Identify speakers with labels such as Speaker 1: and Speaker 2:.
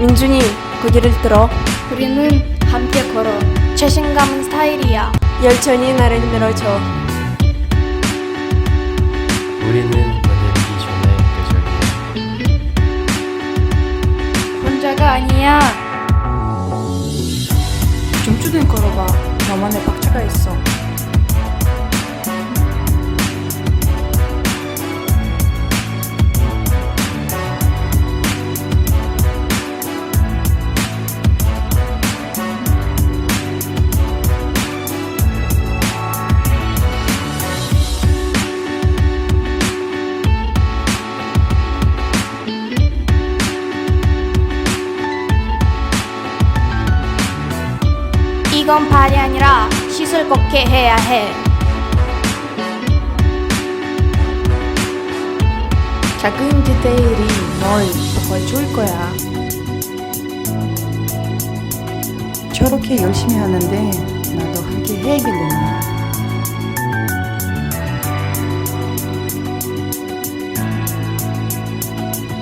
Speaker 1: 민준이 고개를 들어.
Speaker 2: 우리는 함께 걸어. 자신감은 스타일이야.
Speaker 1: 열천이 나를 밀어줘.
Speaker 3: 우리는 만들기 전에 끄적이야.
Speaker 2: 혼자가 아니야.
Speaker 1: 춤추는 걸어봐. 너만의 박자가 있어.
Speaker 2: 이건 발이 아니라 시술 걷게 해야 해.
Speaker 1: 작은 디테일이 널 더 좋을 거야. 저렇게 열심히 하는데 나도 함께 해야겠구나.